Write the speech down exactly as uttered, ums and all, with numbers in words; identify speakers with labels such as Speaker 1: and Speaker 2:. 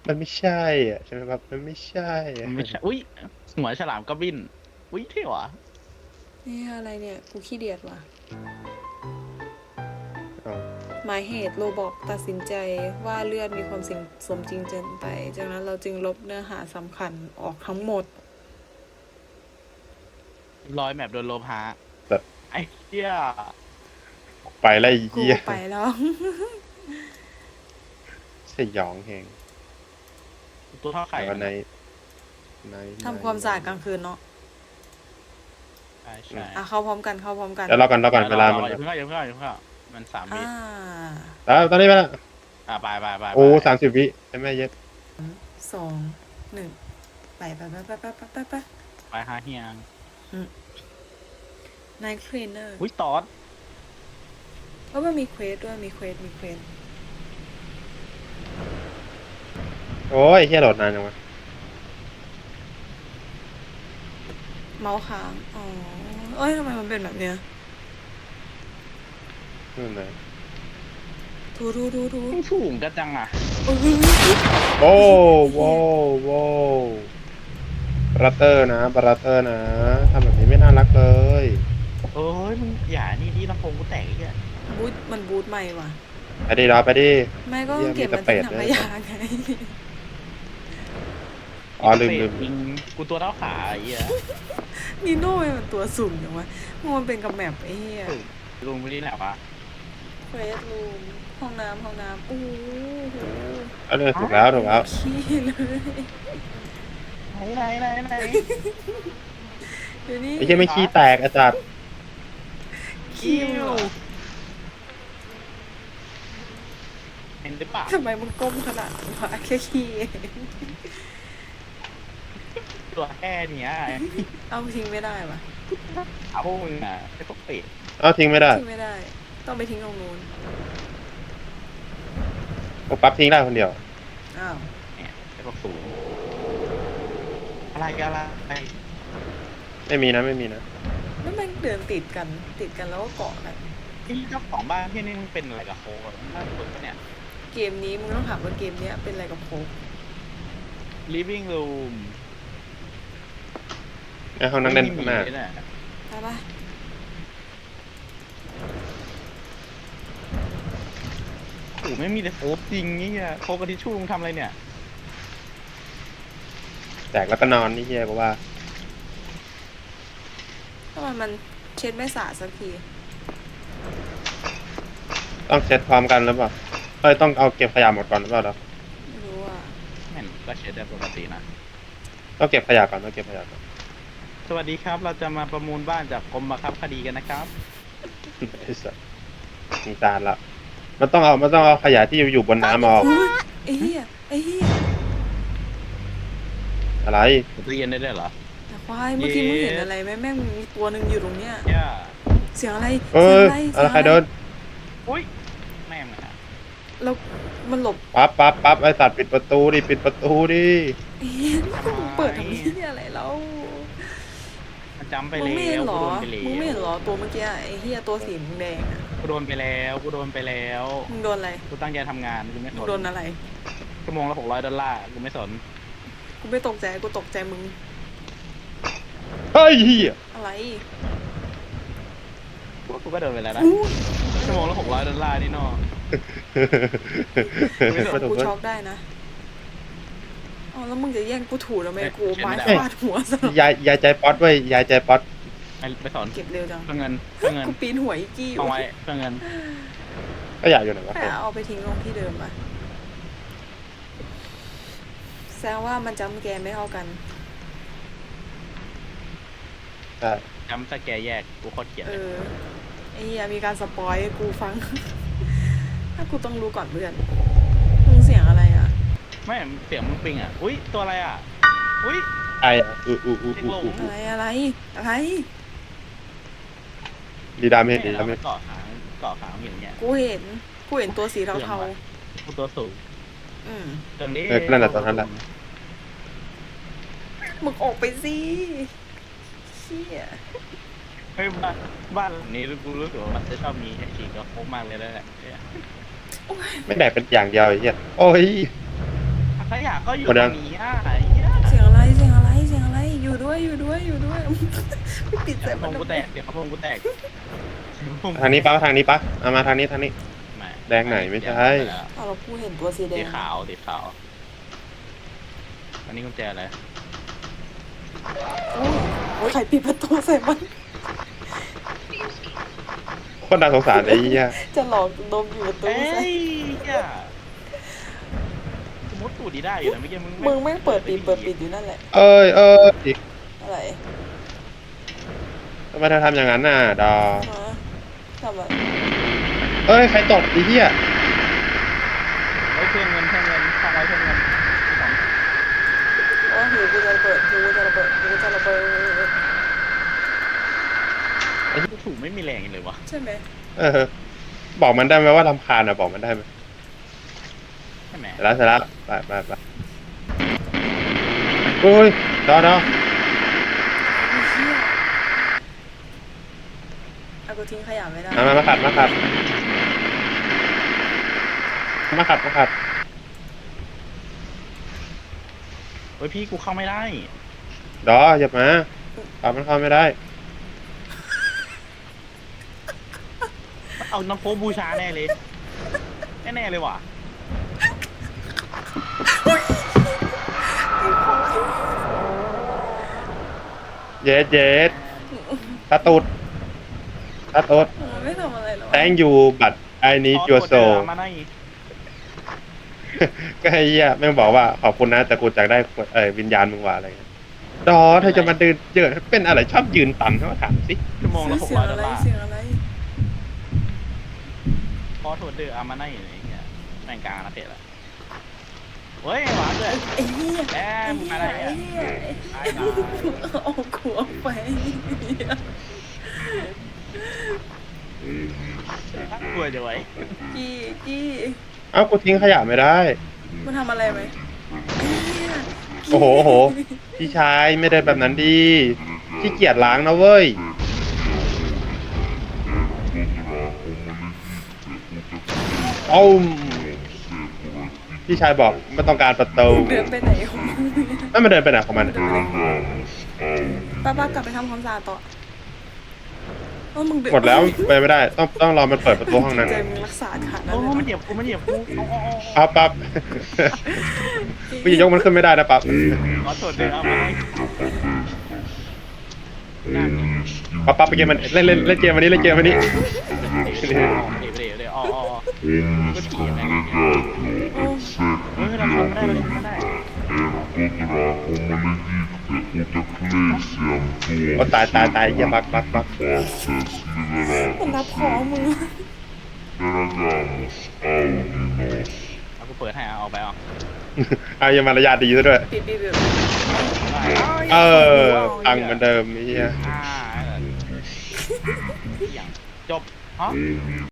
Speaker 1: มันไม่ใช่อ่ะใช่ไหมครับมันไม่ใช่อะ
Speaker 2: มันไม่ใช่อุ้ยหัวฉลามก็บินอุ้ยเท่หวะ
Speaker 3: นี่อะไรเนี่ย กูขี้เดียดว่ะ
Speaker 1: เอา
Speaker 3: หมายเหตุโรบอกตัดสินใจว่าเลือดมีความสมจริงเกินไป จากนั้นเราจึงลบเนื้อหาสำคัญออกทั้งหมด
Speaker 2: รอยแมปโดนโลพา
Speaker 1: แบบ
Speaker 2: ไอ้เหี้ย
Speaker 1: ไปไล่
Speaker 3: กู
Speaker 1: เยี่ย
Speaker 3: ไปแล้ว
Speaker 1: สยองแหง
Speaker 2: ตัวเท่าไข่
Speaker 1: แต่ว่าในใน
Speaker 3: ทำความสะอาดกลางคืนเนาะ
Speaker 2: ใช่ใช่
Speaker 3: อ่ะเข้าพร้อมกันเข้าพร้อมกัน
Speaker 1: แล้วรอกันรอกันเวลามัน
Speaker 2: อย่าเพิ่งเข้าอย่าเพิ่งเข้าอย่าเพิ่งเข้ามันสามวิ
Speaker 3: อ่า
Speaker 1: แล้วตอนนี้ไปแล้ว
Speaker 2: อ่ะไปไปไป
Speaker 1: โอ้สามสิบวิใช่ไหมเย็ด
Speaker 3: สองหนึ่งไปไปไปไปไปไปไปไป
Speaker 2: ไปหาเฮียง
Speaker 3: นายเทรนเนอร์
Speaker 2: อุ้ยตอด
Speaker 3: เพราะมันมีเควสด้วยมีเควสมีเควส
Speaker 1: โอ้ยเฮียโหลดนานจังวะ
Speaker 3: เมาส์ค้างอ๋อเอ้ยทำไมมันเป็นแบบเนี้ย
Speaker 1: นู่นเลย
Speaker 3: ทูทูทูทู
Speaker 2: สูงกันจังอ่ะ
Speaker 3: เอ้ย
Speaker 1: โอ้โว้โว้บราเตอร์นะบราเตอร์นะทำแบบนี้ไม่น่ารักเลย
Speaker 2: เอ้ยมึงอย่านี่ที่ลำโพงกูแตกไอ้เหี้ย
Speaker 3: บูทมันบูทใหม่ว่ะ
Speaker 1: ไปดิรอไปดิ
Speaker 3: แม่ก็ต้องเก็บมัน
Speaker 1: เหี้
Speaker 3: ที่
Speaker 1: ยมี
Speaker 3: ถัง
Speaker 1: แต่
Speaker 3: ข
Speaker 1: เป็ด
Speaker 3: ยะไง
Speaker 1: อ๋อลืมลืม
Speaker 2: จริงกูตัวเท่าขาไอ้เหี้ย
Speaker 3: นีโน่มันตัวสูงอย่างวะมันเป็นกับแมปไอ้เหี้ย
Speaker 2: ลุงไม่ได้แหละวะ
Speaker 3: เควสรูมห้องน้ำห้องน้ำโอ้โห
Speaker 1: เอาเลยถูกแล้วถูกแล้ว
Speaker 3: ขี้เลย
Speaker 2: ไหนไหนไหนไหน
Speaker 3: เดี๋ยวนี้
Speaker 1: ไอ้เหี้ยไม่ขี้แตกอาจารย์
Speaker 3: ขี้
Speaker 2: คิ
Speaker 3: เหร
Speaker 2: ว
Speaker 3: อ
Speaker 2: เห็นหรือเปล่า
Speaker 3: ทำไมมึงก้มขนาดนั้นวะแค่ขี้เอง
Speaker 2: ตัวแค่เนี้ย
Speaker 3: เอาทิ้งไม่ได้วะ
Speaker 2: เอาพวกมึงอ่ะไอ้พวกเป็ด
Speaker 1: เอาทิ้งไม่ได้
Speaker 3: ทิ้งไม่ได้ ต้องไปทิ้งตรงนู้น
Speaker 1: ผมปั๊บทิ้งได้คนเดียว
Speaker 3: อ้าว
Speaker 2: เนี่ยไอ้พวกสูงอะไรกันอะไร
Speaker 1: ไม่มีนะไม่มีนะ
Speaker 3: แล้วมันเดินติดกันติดกันแล้วก็เกาะกัน
Speaker 2: ที่เจ้าของบ้านที่นี่มันเป็นอะไรกับโค้ดน่าสนปะเนี่ย
Speaker 3: เกมนี้มึงต้องถามว่าเกมเนี้ยเป็นอะไรกับโค้ก
Speaker 2: living room
Speaker 1: ในห้องนั่งเล่นข้างหน้า
Speaker 2: ไม่มีเลยะ
Speaker 3: ไปปะ
Speaker 2: โอ้โหไม่มีแต่โค้ดจริงนี่อะโค้ดกับทิชชู่มึงทำอะไรเนี่ย
Speaker 1: แตกแล้วก็นอนนี่เฮียบอกว่า
Speaker 3: ทำไมมันเช็ดไม่สะอาดสักที
Speaker 1: ต้องเซตพร้อมกันหรือเปล่าเอ้ยต้องเอาเก็บขยะหมดก่อนหรือเปล่าเรา
Speaker 3: ไม่รู้อ่ะ
Speaker 2: แม่นก็เช็ดได้ปกตินะ
Speaker 1: ต้องเก็บขยะก่อนต้องเก็บขยะก่อน
Speaker 2: สวัสดีครับ เราจะมาประมูลบ้านจากกรมบังคับคดีกันนะครับ
Speaker 1: ไอ้สัสสงสารละมันต้องเอามันต้องเอาขยะที่อยู่บนน้ำออก
Speaker 3: อุ๊ยไอ้เหี้ยไอ้เหี้ย
Speaker 1: อะไร
Speaker 2: ตู้เย็นได้ด้วยเหรอ
Speaker 3: แต่ควายเมื่อกี้มึงเห็น
Speaker 2: เย้
Speaker 3: อะไรไหมแม่งมีตัวหนึ่งอยู่ตรงเนี้ย
Speaker 2: เนี่ย
Speaker 3: เสียงอะไร
Speaker 1: เอ
Speaker 3: เสียง
Speaker 1: อ
Speaker 3: อะไร
Speaker 1: อะไรใครเดิน
Speaker 2: อุ้ยแม่งอะ
Speaker 3: แล้วมันหลบ
Speaker 1: ปั๊บปั๊บปั๊บไอ้สัตว์ปิดประตูดิปิดประตูดิ
Speaker 3: เอ๊ะมึงเปิดทำนี่อะไรแล้ว
Speaker 2: มันจำไป
Speaker 3: มึง
Speaker 2: แล้
Speaker 3: ไม่เห็น
Speaker 2: ว
Speaker 3: เหร
Speaker 2: กู
Speaker 3: อ
Speaker 2: โดนไปแล้ว
Speaker 3: มึงไม่เห็นเหรอตัวเมื่อกี้ไอ้เหี้ยตัวสีแดงๆอ่ะ
Speaker 2: กูโดนไปแล้วกูโดนไปแล้ว
Speaker 3: มึงโดนอะไร
Speaker 2: กูตั้งใจทำงานกูไม่ส
Speaker 3: มึง
Speaker 2: น
Speaker 3: โดนอะไร
Speaker 2: ชั่วโมงละหกร้อยดอลลาร์กูไม่สน
Speaker 3: กูไม่ตกใจกูตกใจมึง
Speaker 1: เฮ้ยเฮีย
Speaker 3: อะไร
Speaker 2: กูว่ากูก็โดนไปแล้วนะ
Speaker 3: อู้
Speaker 2: ชั่วโมงละหกร้อยดอลลาร์นี่เนอะ
Speaker 1: ไม่ถูก
Speaker 3: กู
Speaker 1: เว้ย
Speaker 3: ช็อกได้นะอ๋อแล้วมึงจะแย่งกูถูทำไมกูไม้ฟาดหัวซะ
Speaker 1: ยายยายใจป๊อตเว้ยยายใจป๊อต
Speaker 2: ไปไปสอน
Speaker 3: เก็บเร็วจัง
Speaker 2: เพื่อเงินเพื่อเงิน
Speaker 3: กูปีนหัวอีกกี้อยู่
Speaker 2: เอาไว้เพื่อเงิน
Speaker 1: ก็อยากอยู่ไหนวะ
Speaker 3: แต่เอาไปทิ้งลงที่เดิมอะแสดงว่ามันจำแกไม่เท่ากัน
Speaker 1: ใช่
Speaker 2: จำสแกร์แยกกูโคตรเกลียด
Speaker 3: เอ
Speaker 2: เลย
Speaker 3: อไอ้เหี้ยมีการสปอยให้กูฟัง ถ้ากูต้องรู้ก่อนเพื่อนมึงเสียงอะไรอ่ะ
Speaker 2: ไม่เสียงมึงปิงอ่ะอุ้ยตัวอะไรอ่ะอุ้ย
Speaker 1: ไอ้อะอู้อู้อู้อู้อู้
Speaker 3: อะไรอะไรอะไร
Speaker 1: ดีดามเห็นดี
Speaker 2: เรา
Speaker 1: ดาม
Speaker 2: ไป
Speaker 1: เห็น
Speaker 2: เกาะขางเกาะขางอย่างเงี้ย
Speaker 3: กูเห็นกูเห็นตัวสีเทา
Speaker 2: กูตัวสูง
Speaker 3: ๆอืม
Speaker 2: ตรงนี้
Speaker 1: เออนั่นแหละตอนนั้นแหละ
Speaker 3: มึงออกไปสิเชี่ย
Speaker 2: เฮ้ยบ้านบ้านหลังนี้กูรู้สึกว่ามันจะชอบมีไอ้ฉีกกับโค้งมากเลยแล้วแหละเนี่ย
Speaker 3: โอ้ย
Speaker 1: ไม่แดกเป็นอย่างเดียวไอ้เหี้ยโอ้ย
Speaker 2: พขยะก็อยู่
Speaker 1: หมด
Speaker 2: ต
Speaker 1: ยั
Speaker 2: รง งนี้อ่ะไอ้เหี้ย
Speaker 3: เสียงอะไรเสียงอะไรเสียงอะไรอยู่ด้วยอยู่ด้วยอยู่ด้วย ไม่ปิด
Speaker 2: เดี๋
Speaker 3: ใส่
Speaker 2: ยวพ
Speaker 3: มัน
Speaker 2: งกูแตกเดี๋ยวพงกูแตก
Speaker 1: ทางนี้ปะทางนี้ปะเอามาทางนี้ทางนี้
Speaker 2: ไม่
Speaker 1: แดงไหนไม่ใช่
Speaker 3: อ้าวเราพูดเห็นตัวสีแด
Speaker 2: สี
Speaker 3: ง
Speaker 2: ขาวสีขาวอันนี้กุญแจอะไร
Speaker 3: โอ้ยโอ้ยใครปิดประตูใส่มัน
Speaker 1: คนน่าสงสารไอ้เหี้ย
Speaker 3: จะหลอกดมอยู่ประตู
Speaker 2: เอ้
Speaker 3: ใส่
Speaker 2: ยเหี้ยสมมติตูดดีได้อยู่นะเมื่อกี้มึง
Speaker 3: มึงแม่งเปิดปิดเปิดปิดอยู่นั่นแหละ
Speaker 1: เอ้ยเอ้ยอีก
Speaker 3: อะไร
Speaker 1: ทำไมเธอทำอย่างนั้นน่ะดอ
Speaker 3: ฮะทำอะไร
Speaker 1: เอ้ยใครตกไอ้เหี้ย
Speaker 2: เฮ้ยเพื่อนเงินเพื่อนเงินฟังไว้เพื่อนเงินสอง
Speaker 3: โอ้ยหิวกูจะระเบิดหิวกูจะระเบิดหิวกูจะระเบิด
Speaker 2: ไอ้ที่ถูกไม่มีแรงเลยวะ
Speaker 3: ใช่ไหม
Speaker 1: เออบอกมันได้ไหมว่าลำคาญอ่ะบอกมันได้ไหม
Speaker 2: ใช่ไหม
Speaker 1: เสร็จแล้วเสร็จแล้วไปไปไปโอ้ยดอดอ
Speaker 3: ไอ้เหี้ยเอากูทิ้งขยะไม่ได้
Speaker 1: มามามาขัดมาขัดมาขัดมาขัด
Speaker 2: เฮ้ยพี่กูเข้าไม่ได้
Speaker 1: ดออย่ามาปรับมันเข้าไม่ได้
Speaker 2: เอาน้ำโพบูชาแน่เลยแน่ๆเลยว่ะ
Speaker 1: เย็ดเย็ดตาตุดตาตุด
Speaker 3: มันไม่ทำอะไรหรอก
Speaker 1: thank you but I need
Speaker 2: ขอ
Speaker 1: your
Speaker 2: โทษเด้อ
Speaker 1: soul
Speaker 2: มาหน่อย
Speaker 1: ก็ไอ้เหี้ยแม่งบอกว่าขอบคุณนะแต่กูอยากได้เอ่อวิญญาณมึงว่าอะไรเงี้ยดอเธอจะมาเดินเจอเป็นอะไรชอบยืนตันเขาถามสิ
Speaker 2: ชั่วโมงละหก
Speaker 3: เสีย
Speaker 2: ร้อง ยดอ
Speaker 3: อะ
Speaker 2: ล
Speaker 3: ไร
Speaker 2: ลาร์
Speaker 3: เสียงอะไร
Speaker 2: ขอโทษเด้ออามาหน่อยอะไรเงี้ยแม่งกลางนะเพจละเฮ้ยหวานเลย
Speaker 3: ไอ้เหี้ย
Speaker 2: แอ
Speaker 3: ไอ้
Speaker 2: ม
Speaker 3: เหี้ย
Speaker 2: อะไร
Speaker 3: ไอ้
Speaker 2: เนี่ย
Speaker 3: เหี้ย
Speaker 2: ไอ้
Speaker 3: ไอ้
Speaker 2: ดา
Speaker 3: เอาขวบไปเหี้ย
Speaker 2: กลัวจะไว้
Speaker 3: กี้กี้
Speaker 1: เอ้ากูทิ้งขยะไม่ได้
Speaker 3: มันทำอะไรไหมไอ้เหี้ย
Speaker 1: โอ้โหโอ้โหพี่ชายไม่ได้แบบนั้นดีขี้เกียจล้างนะเว้ยเอ้าพี่ชายบอกไม่ต้องการประตู
Speaker 3: เดินไปไหนของมึงเนี่ย
Speaker 1: ไม่มาเดินไปไหนของมัน
Speaker 3: ป้าป้ากลับไปทำความสะอาดต่อเออมึงเน
Speaker 1: หมดแล้วไปไม่ได้ ต้องต้องรอมันเปิดประตูห้องนั้น
Speaker 3: ใจมึงรักษาขนาดนั้น
Speaker 2: โอ้
Speaker 3: เลย
Speaker 2: มันเหยียบกูมันเหยียบกูเอาเอาเอา
Speaker 1: ปั๊บปั๊บพี่ยกมันขึ้นไม่ได้นะปั๊บ
Speaker 2: ขอโทษเด้ออามาหน่อยงานนี้
Speaker 1: ปั๊บปั๊บไปเกมมันเล่นเล่นเล่นเกมวันนี้เล่นเกมวันนี้
Speaker 2: เดี๋ยวเดี๋ยวเดี๋ยวอ๋ออ๋อก็ถีบอะไรเงี้ย
Speaker 3: โอ้
Speaker 2: เฮ้ยเราทำไม่ได้เราทำไม่ได้
Speaker 1: โอ้ตายตายตายเหี้ยบักบักบัก
Speaker 3: มันรับของมึง
Speaker 2: เอากูเปิดให้เอาไปเอา
Speaker 1: เอายังมารยาทดีซะด้วย
Speaker 3: ปิดปิดปิด
Speaker 1: เออตังค์เหมือนเดิมไอ้เหี้ย
Speaker 2: อ่าอย่างจบฮะ